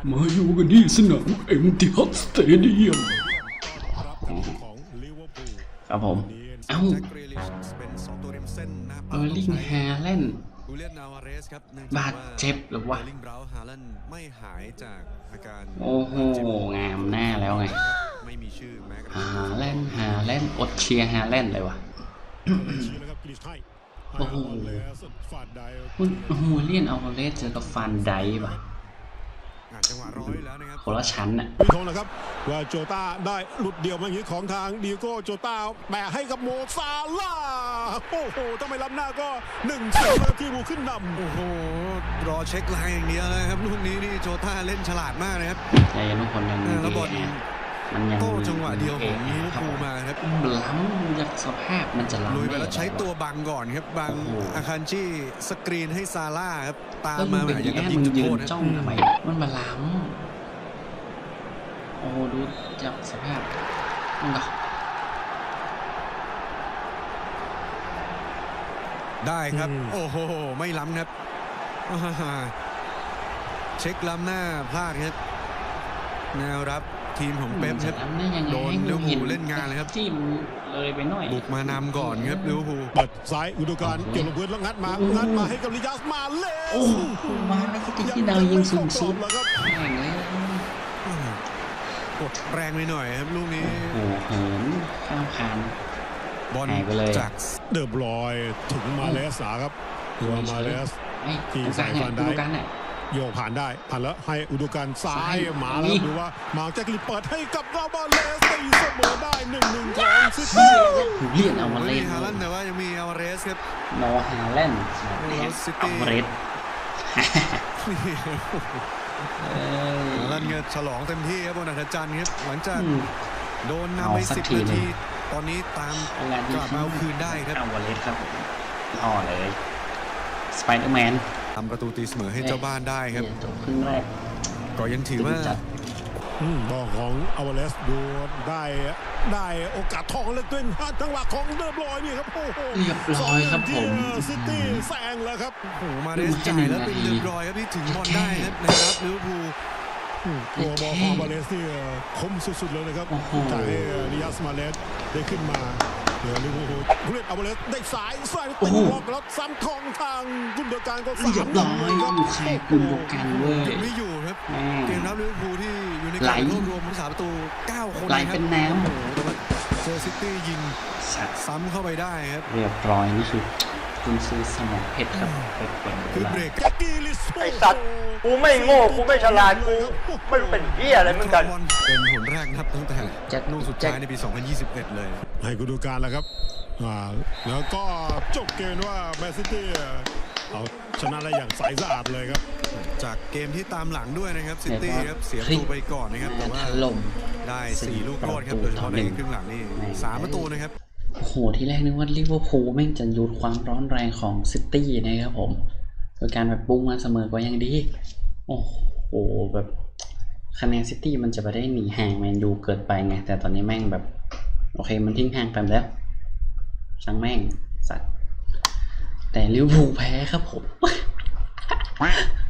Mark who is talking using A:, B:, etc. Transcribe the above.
A: มาอยู่กันที่สนามเอ็มติฮัดสเตเดียมครับผมเอ้าเออร์ลิงฮาแลนด์บาดเจ็บหรือวะโอ้โหงามหน้าแล้วไงฮาแลนด์อดเชียร์ฮาแลนด์เลยวะโอ้โหเลียนอัลวาเรสเจอกับฟันไดป่ะคนละชั้นน่ะ
B: พี่ทงนะครับว่าโจต้าได้หลุดเดี่ยวมาอย่างนี้ของทางดิโก้โจต้าแบะให้กับโมซาลาโอ้โหถ้าไม่ล้ำหน้าก็1-0แล้วที่บูขึ้นนำ
C: โอ้โหรอเช็คไลน์อย่างเดียวเลยครับลูกนี้นี่โจต้าเล่นฉลาดมากเลยครับ
A: ใจทุกคนยัง
C: แล้วบอล
A: มันยัง
C: โต้จังหวะเดียวของลิเวอร์พูลมาครับ
A: ล้ำจากสภาพมันจะล้ำ
C: ลุยไปแล้วใช้ตัวบังก่อนครับบังอาคันชี่สกรีนให้ซาร่าครับตามมาแบบอย่างกับยิงจุดโทษ
A: จ้องทำไมมันมาล้ำโอ้ดูจากสภาพมันก็
C: ได้ครับโอ้โหไม่ล้ำครับเช็คล้ำหน้าพลาดครับแนวรับทีมของเป๊ปครับโดนลิเวอร์พูลเล่นงานเลยครับ
A: ที่มันเลยไปหน่อย
C: บุกมานำก่อนครับลิเวอร์พูล
B: เปิดซ้ายอุดมการเกี่ยวลงพื้นแล้วงัดมาให้กับลิยาสมาเลส
A: โอ้มาแล้วก็ที่ดาวยิงสูงสุดแข่งเลย
C: กดแรงไปหน่อยครับลูกนี้
A: โอ้โหข้ามคาน
C: บอลจาก
B: เดิมลอยถึงมาเลสครับตัวมาเลส
A: ที่ใส่ฟันได้
B: โยกผ่านได้ผ่านแล้วให้อุดมการซ้ายมาแล้วดูว่ามาแจ็คลิเปิดให้กับเรามาเลสตีเสมอได้1-1ของซิตี้ครับ
A: เลียนเอามาเลส
C: ฮาแลนด์แต่ว่ายังมีอัลวาเรสครับ
A: โนฮาแลนด์
C: ซิตี้
A: อัลวาเรส
C: ฮาแลนด์ฉลองเต็มที่ครับบนอัธจันทร์ครับหลังจากโดนนำไป10 นาทีตอนนี้ตามกลับมาเอาคืนได้ครับ
A: อัลวาเรสครับห่อเลยสไปเดอร์แมน
C: ทำประตูตีเสมอให้เจ้าบ้านได้ครับ
A: จบครึ่งแรก
C: ก็ยังถือว่า
B: บอลของอัลวาเรสดูได้โอกาสทองเล่นด้วยจังหวะของเดบรอยนี่ครับโอ้โห
A: เรียบร้อยครับผม
B: ซิตี้แซงแล้วครับ
C: โอ้โหมาได้จ่ายแล้วเป็นเรียบร้อยครับที่ถึงบอลได้นะครับลิเวอร์พูล
B: ตัวบอลของอัลวาเรสนี่คมสุดๆเลยนะครับจ่ายให้ลิยาสมาเลสได้ขึ้นมาเดี๋ยวลิเวอร์พูลผู้เล่นอัลวาเรสได้สายตีบอลแล้วซ้ำของทางกุนโดการก็
A: เรียบร้อยอยู่ใครกุนโดการเว้ย
C: ไม่อยู่ครับเกมรับลิเวอร์พูลที่อยู่ใน
A: การ
C: รวบรวมผู้รักษาประตู9 คน
A: ไหลเป็นน้
C: ำแต่ว่าเจอซิตี้ยิงซ้ำเข้าไปได้ครับ
A: เรียบร้อยนี่คือคุณซื้อสมองเพชรครับ
C: คือเบรก
D: ไอสัตว์กูไม่โง่กูไม่ฉลาดกูไม่เป็นเหี้ยอะไรเหมือนกัน
C: เป็นหนแรกนับตั้งแต่ลูกสุดท้ายในปี2021เลย
B: ให้กูดูการแล้วครับแล้วก็จบเกมว่าแมนซิตี้เอาชนะได้อย่างใสสะอาดเลยครับ
C: จากเกมที่ตามหลังด้วยนะครับซิตี้ครับเสียประตูไปก่อนนะครับแต่ว่าได้4 ลูกโทษครับโดยเฉพาะในครึ่งหลังนี่3 ประตูนะครับ
A: โอ้โหที่แรกนึกว่าลิเวอร์พูลแม่งจะหยุดความร้อนแรงของซิตี้นะครับผมโดยการแบบปุ้งมาเสมอก็ยังดีโอ้โหแบบคะแนนซิตี้มันจะไปได้หนีห่างแมนยูเกิดไปไงแต่ตอนนี้แม่งแบบโอเคมันทิ้งห่างไปแล้วช่างแม่งสัตว์แต่ลิเวอร์พูลแพ้ครับผม